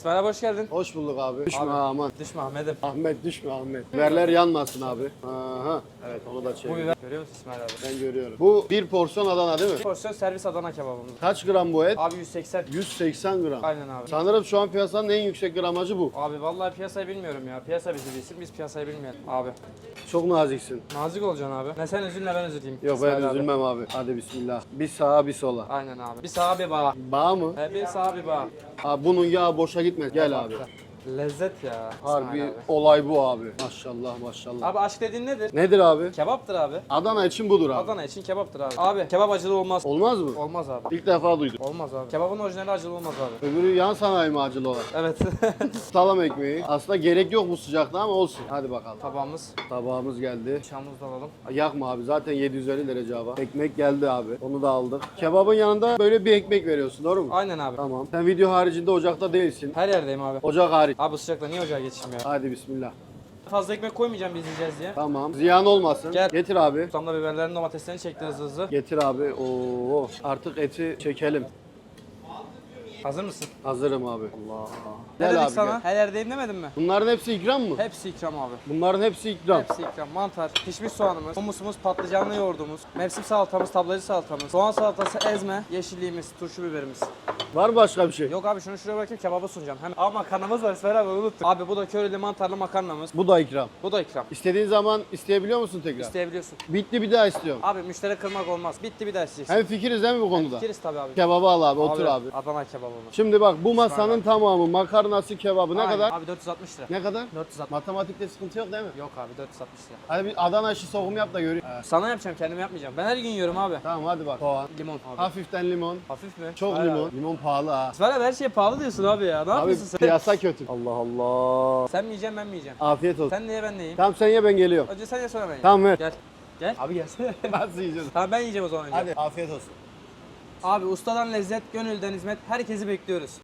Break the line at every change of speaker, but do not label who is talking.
Merhaba, hoş geldin.
Hoş bulduk abi. Düşme
Abi,
aman.
Düşme Ahmet'im.
Ahmet düşme Ahmet. Biberler yanmasın abi. Aha. Evet onu da
Bu
çevir.
biber görüyor musun İsmail abi?
Ben görüyorum. Bu bir porsiyon Adana değil mi?
Porsiyon servis Adana kebabımız.
Kaç gram bu et?
Abi 180.
180 gram.
Aynen abi.
Sanırım şu an piyasanın en yüksek gramajı bu.
Abi vallahi piyasayı bilmiyorum ya. Piyasa bizi bilsin, biz piyasayı bilmeyelim. Abi.
Çok naziksin.
Nazik olacaksın abi. Ne sen üzülme, ben üzüleyim.
Yok
İsmail
ben
abi.
üzülmem abi. Hadi bismillah. Bir sağa bir sola.
Aynen abi. Bir sağa bir bağa.
Bağ mı?
Bir sağa bir bağa.
Abi bunun yağı boşa gitmez. Gel abi.
Lezzet ya.
Harbi
İsmail abi.
olay bu abi. Maşallah maşallah.
Abi aşk dediğin nedir?
Nedir abi?
Kebaptır abi.
Adana için budur abi.
Adana için kebaptır abi. Abi kebap acılı olmaz.
Olmaz mı?
Olmaz abi.
İlk defa duydum.
Olmaz abi. Kebabın orijinali acılı olmaz abi.
Öbürü yan sanayi mi acılı olan?
Evet.
Salam ekmeği. Aslında gerek yok bu sıcakta ama olsun. Hadi bakalım.
Tabağımız.
Tabağımız geldi.
Bıçağımızı da alalım.
Yakma abi zaten 750 derece hava. Ekmek geldi abi. Onu da aldık. Kebabın yanında böyle bir ekmek veriyorsun doğru mu?
Aynen abi.
Tamam. Sen video haricinde ocakta değilsin.
Her yerdeyim abi.
Ocak hariç.
Abi sıcakta niye ocağa geçeyim ya?
Hadi bismillah.
Fazla ekmek koymayacağım biz yiyeceğiz diye.
Tamam. Ziyan olmasın.
Gel.
Getir abi.
Ustamda biberlerin domateslerini çekti hızlı hızlı.
Getir abi. Oo. Artık eti çekelim.
Hazır mısın?
Hazırım abi. Allah.
Ne
Gel
dedik
abi
sana?
gel.
Her yerdeyim demedim mi?
Bunların hepsi ikram mı?
Hepsi ikram abi.
Bunların hepsi ikram.
Hepsi ikram. Mantar, pişmiş soğanımız, humusumuz, patlıcanlı yoğurdumuz, mevsim salatamız, tablacı salatamız, soğan salatası, ezme, yeşilliğimiz, turşu biberimiz.
Var mı başka bir şey?
Yok abi şunu şuraya bırakayım, kebabı sunacağım. Hem makarnamız var İsmail abi, unuttum. Abi bu da köreli mantarlı makarnamız.
Bu da ikram.
Bu da ikram.
İstediğin zaman isteyebiliyor musun tekrar?
İsteyebiliyorsun.
Bitti bir daha istiyorum.
Abi müşteri kırmak olmaz. Bitti bir daha isteyeceksin.
Hem fikiriz değil mi bu konuda?
Fikiriz tabii abi.
Kebabı al abi, otur abi.
Adana kebabımız.
Şimdi bak bu masanın tamamı makarnası, kebabı ne
Aynen.
kadar?
Abi 460 lira.
Ne kadar?
460.
Matematikte sıkıntı yok değil mi?
Yok abi 460 lira.
Hadi bir Adana işi sokum yap da göreyim.
Sana yapacağım, kendime yapmayacağım. Ben her gün yiyorum abi.
Tamam hadi bak. Soğan.
Limon abi.
Hafiften limon.
Hafif mi?
Çok
Hayır
limon.
abi.
Limon pahalı ha.
İsmail abi her şeye pahalı diyorsun abi ya. Ne
Abi
yapıyorsun sen?
piyasa kötü. Allah Allah.
Sen mi yiyeceksin, ben mi yiyeceğim?
Afiyet olsun.
Sen de ye, ben de yiyeyim.
Tamam sen ye ben geliyorum.
Önce sen ye, sonra ben ye.
Tamam ver.
Gel. Gel. Abi gelsene.
Nasıl yiyeceğiz?
Tamam ben yiyeceğim o zaman önce.
Hadi afiyet olsun.
Abi ustadan lezzet, gönülden hizmet. Herkesi bekliyoruz.